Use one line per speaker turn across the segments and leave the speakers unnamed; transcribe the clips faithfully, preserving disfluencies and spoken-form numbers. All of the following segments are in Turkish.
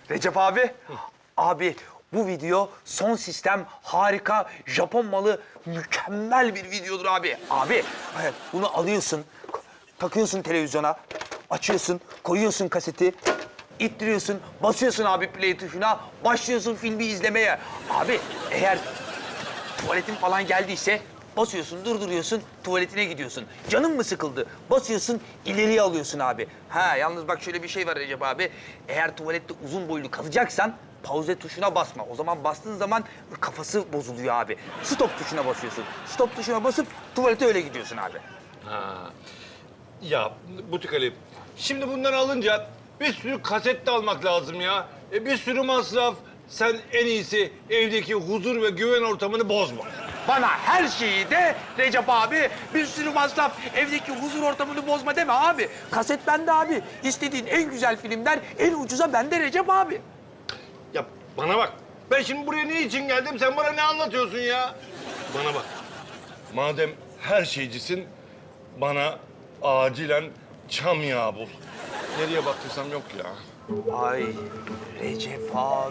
Recep abi, abi bu video son sistem harika, Japon malı mükemmel bir videodur abi. Abi evet, bunu alıyorsun, takıyorsun televizyona, açıyorsun, koyuyorsun kaseti, ittiriyorsun, basıyorsun abi play tuşuna, başlıyorsun filmi izlemeye. Abi eğer tuvaletin falan geldiyse basıyorsun, durduruyorsun, tuvaletine gidiyorsun. Canın mı sıkıldı? Basıyorsun, ileriye alıyorsun abi. Ha yalnız bak şöyle bir şey var Recep abi. Eğer tuvalette uzun boylu kalacaksan pauze tuşuna basma. O zaman bastığın zaman kafası bozuluyor abi. Stop tuşuna basıyorsun. Stop tuşuna basıp tuvalete öyle gidiyorsun abi.
Ha. Ya Butik Ali, şimdi bunları alınca bir sürü kaset de almak lazım ya. E, bir sürü masraf. Sen en iyisi evdeki huzur ve güven ortamını bozma.
Bana her şeyi de Recep abi, bir sürü masraf, evdeki huzur ortamını bozma deme abi. Kaset bende abi. İstediğin en güzel filmler en ucuza bende Recep abi.
Ya bana bak, ben şimdi buraya ne için geldim, sen bana ne anlatıyorsun ya? Bana bak, madem her şeycisin, bana acilen çam yağı bul. Nereye baktıysam yok ya.
Ay Recep abi,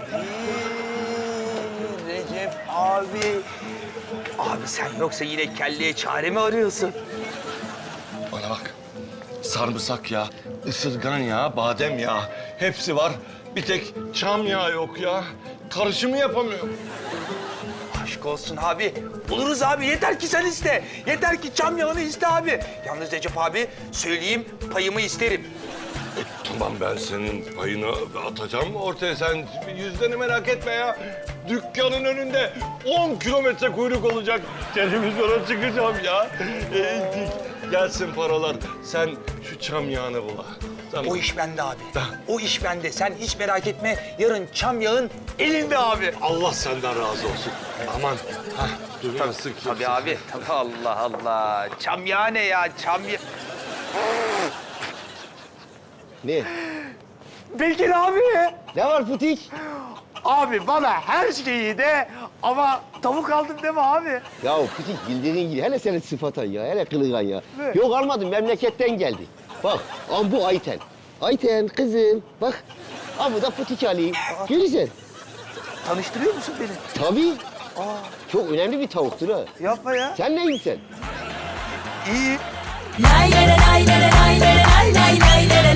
Recep abi. Abi sen yoksa yine kelleye çare mi arıyorsun?
Bana bak, sarımsak yağı, ısırgan yağı, badem yağı hepsi var. Bir tek çam yağı yok ya. Karışımı yapamıyorum.
Aşk olsun abi. Buluruz abi. Yeter ki sen iste. Yeter ki çam yağını iste abi. Yalnız Recep abi söyleyeyim payımı isterim.
E, tamam, ben senin payını atacağım ortaya. Sen yüzlerini merak etme ya. Dükkanın önünde on kilometre kuyruk olacak. Televizyona çıkacağım ya. E, gelsin paralar. Sen şu çam yağını bul. Tamam.
O iş bende abi. O iş bende. Sen hiç merak etme. Yarın çam yağın elinde abi.
Allah senden razı olsun. Aman. Hah, duymasın kimse.
Tabii abi. Tabii Allah Allah. Çam yağı ne ya? Çam yağı...
Ne?
Belki abi.
Ne var Putik?
Abi bana her şeyi de ama tavuk aldım deme abi.
Ya Putik bildiğin gibi hele senin sıfatan ya, hele kılığan ya.
Ne?
Yok almadım, memleketten geldi. Bak, am bu Ayten. Ayten kızım, bak. Am bu da Putik Ali. Görürsen.
Tanıştırıyor musun beni?
Tabii.
Aa,
Çok önemli bir tavuktur ha.
yapma ya.
Sen neysin sen?
İyi.
Lay lay lay lay lay lay lay lay lay lay